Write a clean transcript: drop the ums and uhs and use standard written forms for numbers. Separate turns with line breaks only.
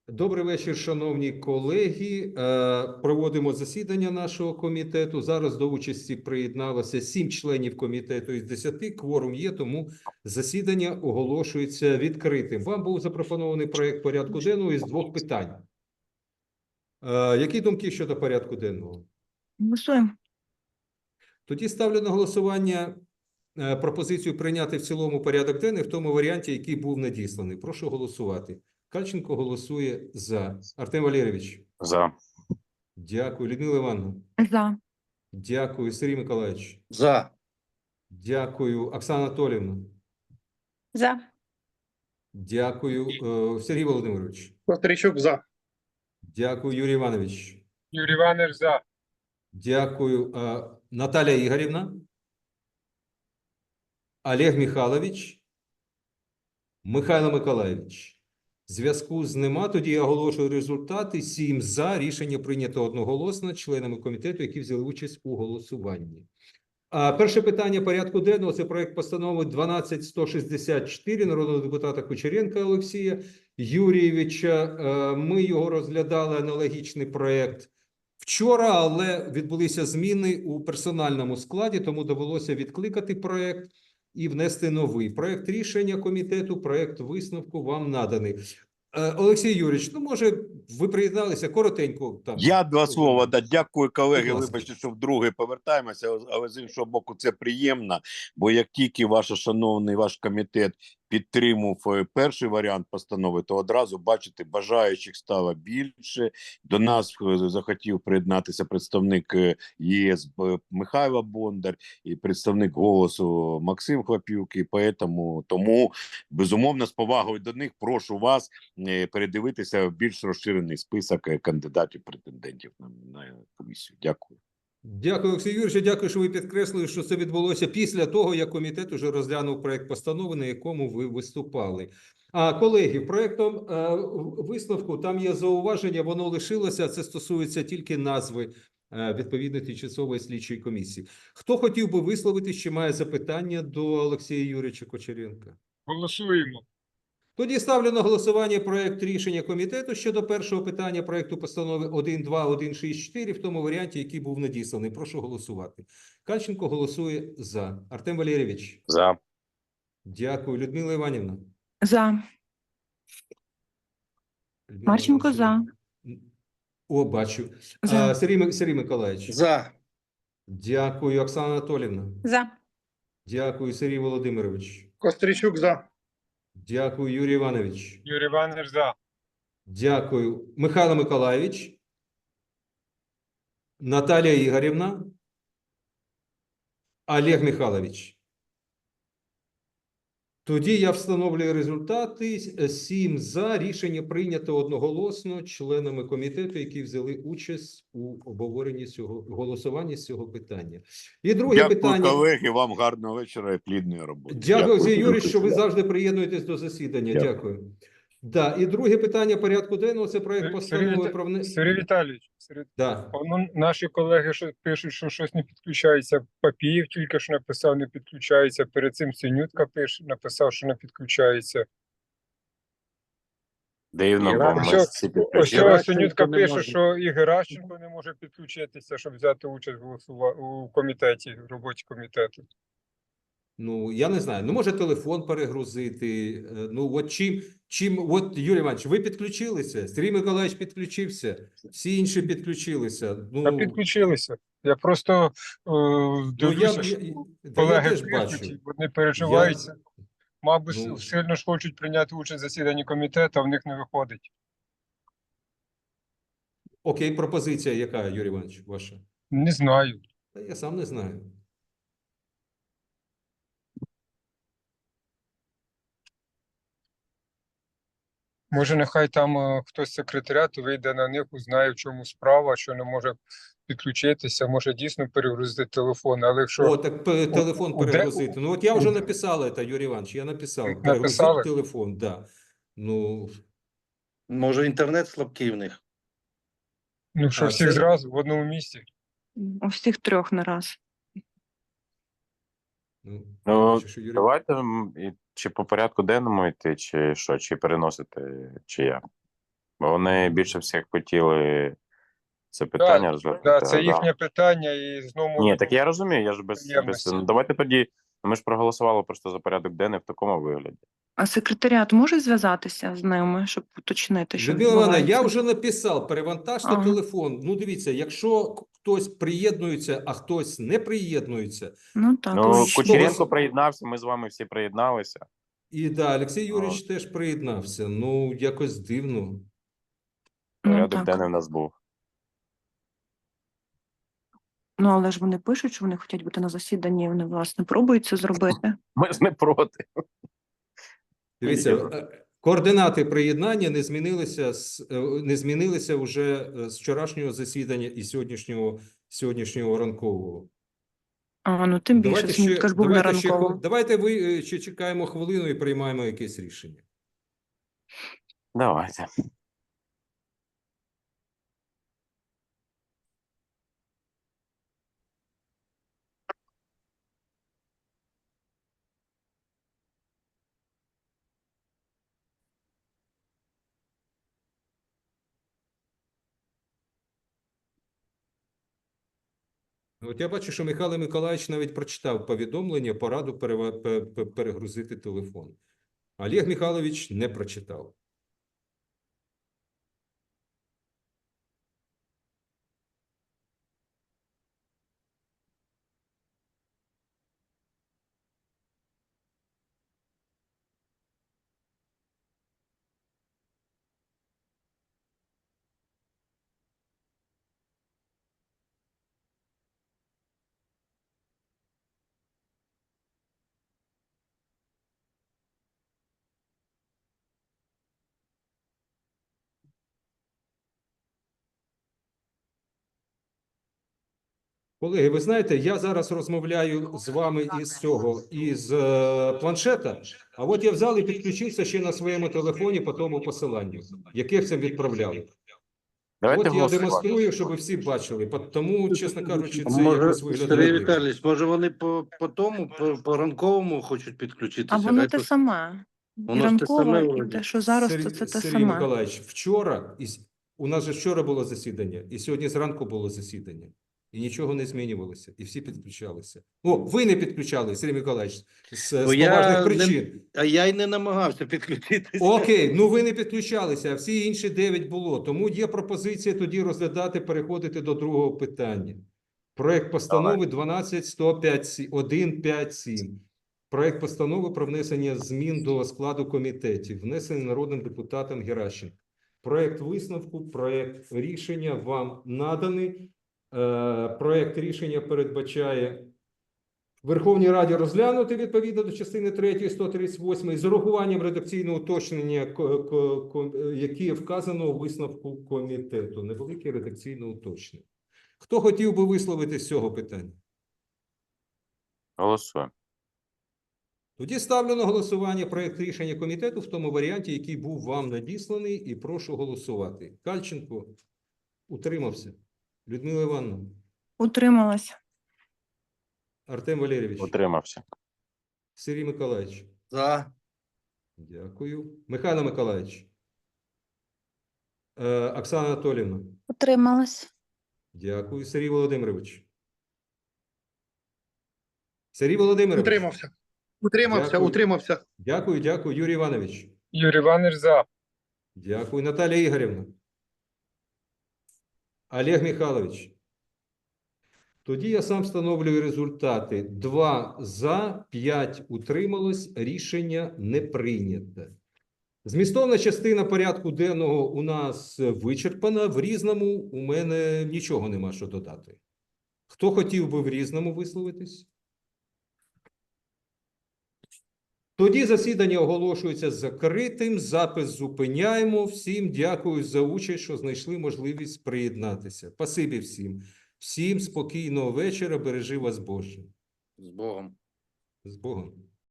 Добрий вечір, шановні колеги. Проводимо засідання нашого комітету. Зараз до участі приєдналося 7 членів комітету із 10. Кворум є, тому засідання оголошується відкритим. Вам був запропонований проект порядку денного із 2 питань. Які думки щодо порядку денного?
Голосуємо.
Тоді ставлю на голосування пропозицію прийняти в цілому порядок денний в тому варіанті, який був надісланий. Прошу голосувати. Кальченко голосує за. Артем Валерійович?
За.
Дякую. Людмила Івановна?
За.
Дякую. Сергій Миколаївич?
За.
Дякую. Оксана Анатоліївна?
За.
Дякую. Сергій Володимирович?
Костричук за.
Дякую. Юрій Іванович?
Юрій Іванович за.
Дякую. Наталія Ігорівна? Олег Михайлович? Михайло Миколаївич? Зв'язку з нема. Тоді я оголошую результати. 7 за. Рішення прийнято одноголосно членами комітету, які взяли участь у голосуванні. Перше питання порядку денного – це проект постанови 12164 народного депутата Кучеренка Олексія Юрійовича. Ми його розглядали, аналогічний проект, вчора, але відбулися зміни у персональному складі, тому довелося відкликати проект і внести новий. Проект рішення комітету, проект висновку вам наданий. Олексій Юрійович, ну, може, ви приєдналися коротенько? Там.
Я 2 слова. Да, дякую, колеги.
Будь ласка.
Вибачте, що вдруге повертаємося, але з іншого боку це приємно, бо як тільки ваш комітет підтримав перший варіант постанови, то одразу, бачите, бажаючих стало більше. До нас захотів приєднатися представник ЄС Михайло Бондар і представник «Голосу» Максим Хлопюк, і тому, безумовно, з повагою до них прошу вас передивитися більш розширений список кандидатів-претендентів на комісію. Дякую.
Дякую, Олексій Юрійович. Дякую, що ви підкреслили, що це відбулося після того, як комітет уже розглянув проект постанови, на якому ви виступали. Колеги, проектом висновку там є зауваження, воно лишилося, це стосується тільки назви відповідної тимчасової слідчої комісії. Хто хотів би висловитись, чи має запитання до Олексія Юрійовича Кучеренка?
Голосуємо.
Тоді ставлю на голосування проект рішення комітету щодо першого питання проекту постанови 12164 в тому варіанті, який був надісланий. Прошу голосувати. Кальченко голосує за. Артем Валерійович?
За.
Дякую. Людмила Іванівна?
За. Марченко за.
О, бачу.
За.
Сергій Миколаївич?
За.
Дякую. Оксана Анатоліївна?
За.
Дякую. Сергій Володимирович?
Костричук за.
Дякую. Юрій Іванович?
Юрій Іванович за.
Дякую. Михайло Миколаївич? Наталія Ігорівна? Олег Михайлович? Тоді я встановлюю результати. 7 за. Рішення прийнято одноголосно членами комітету, які взяли участь у обговоренні голосуванні з цього питання. І друге
Дякую,
питання.
колеги, вам гарного вечора і плідної роботи.
Дякую, Олексій Юрійович, що ви завжди приєднуєтесь до засідання. Дякую. Да. І друге питання порядку денного – це проект постанови про внесення.
Сергій Віталійович,
Да.
наші колеги пишуть, що щось не підключається. Папієв тільки що написав, не підключається. Перед цим Синютка написав, що не підключається.
Дивно, бо ми
Ось
всі
ось
підключили.
Синютка пише, що і Геращенко не може підключитися, щоб взяти участь у комітеті, в роботі комітету.
Ну, я не знаю. Ну, може телефон перегрузити. Ну, от от, Юрій Іванович, ви підключилися? Сергій Миколаївич підключився. Всі інші підключилися. Ну,
Та підключилися. Я просто дивлюся, що колеги
теж
пишуть,
бачу.
вони переживаються. Мабуть,
Ну.
сильно ж хочуть прийняти участь в засіданні комітету, а в них не виходить.
Окей, пропозиція яка, Юрій Іванович, ваша?
Не знаю.
Та я сам не знаю.
Може, нехай там хтось з секретаріату вийде на них, узнає, в чому справа, що не може підключитися, може дійсно перегрузити телефон, але якщо...
О, так телефон перегрузити. Ну, от я вже написав це, Юрій Іванович, я написав. Перегрузити телефон, да. Ну,
може, інтернет слабкий в них?
Ну, що всіх зразу в одному місці.
У всіх 3 на раз.
Ну,
Давайте чи по порядку денному йти, чи що, чи переносити, чи як?
Бо вони більше всіх хотіли це питання розглядати.
Да, це
да.
їхнє питання, і знову
Ні, так я розумію, я ж без...
приємності.
Ну, давайте тоді, ми ж проголосували просто за порядок денний в такому вигляді.
А секретаріат може зв'язатися з ними, щоб уточнити, що
Людмила Івановна, я
відбувається?
вже написав, перевантажте
Ага.
телефон. Ну, дивіться, якщо хтось приєднується, а хтось не приєднується,
Ну так,
Ну,
логічно.
Кучеренко приєднався, ми з вами всі приєдналися.
і да, Олексій Юрійович теж приєднався. Ну, якось дивно.
Ну
Порядок
так.
денний в нас був.
Ну, але ж вони пишуть, що вони хочуть бути на засіданні, і вони, власне, пробують це зробити.
Ми ж не проти.
Дивіться, координати приєднання не змінилися вже з вчорашнього засідання і сьогоднішнього ранкового.
А, ну тим більше, Смітка ж був на ранковому.
Давайте ви ще чекаємо хвилину і приймаємо якесь рішення.
Давайте.
От я бачу, що Михайло Миколаївич навіть прочитав повідомлення, пораду перегрузити телефон. Олег Михайлович не прочитав. Колеги, ви знаєте, я зараз розмовляю з вами із планшета, а от я взяв і підключився ще на своєму телефоні по тому посиланню, яке це відправляли.
Давайте
От я
голосувати.
демонструю, щоб ви всі бачили. Тому, чесно кажучи, це
Може,
якось
Сергій
виглядає дивно.
Віталійович, може вони по ранковому хочуть підключитися?
А воно
Хай
те
то-
саме. І
Воно ж те
ранкове,
саме
і
вроді.
те, що зараз, то це те
Сергій
саме.
Миколаївич, вчора, у нас же вчора було засідання, і сьогодні зранку було засідання. І нічого не змінювалося, і всі підключалися. О, ви не підключали, Сергій Миколаївич, з
Бо я
поважних
не-
причин.
А я й не намагався підключитися.
Окей, ну ви не підключалися, а всі інші 9 було. Тому є пропозиція тоді розглядати, переходити до другого питання. Проект постанови 12157. Проект постанови про внесення змін до складу комітетів, внесений народним депутатом Геращенко. Проект висновку, проект рішення вам наданий. Проект рішення передбачає Верховній Раді розглянути відповідно до частини 3 138 з урахуванням редакційного уточнення, яке вказано у висновку комітету. Невелике редакційне уточнення. Хто хотів би висловити з цього питання?
Голосуємо.
Тоді ставлю на голосування проект рішення комітету в тому варіанті, який був вам надісланий, і прошу голосувати. Кальченко утримався. Людмила Івановна,
Утрималась.
Артем Валерійович,
Утримався.
Сергій Миколаївич.
За.
Дякую. Михайло Миколаївич. Оксана Анатоліївна.
Утрималась.
Дякую. Сергій Володимирович. Сергій Володимирович.
Утримався. Утримався,
Дякую.
утримався.
Дякую, дякую. Юрій Іванович.
Юрій Іванович за.
Дякую. Наталія Ігорівна. Олег Михайлович. Тоді я сам встановлюю результати. 2 за, 5 утрималось. Рішення не прийнято. Змістовна частина порядку денного у нас вичерпана. В різному у мене нічого нема що додати. Хто хотів би в різному висловитись? Тоді засідання оголошується закритим, запис зупиняємо. Всім дякую за участь, що знайшли можливість приєднатися. Спасибі всім. Всім спокійного вечора, бережи вас Боже.
З Богом.
З Богом.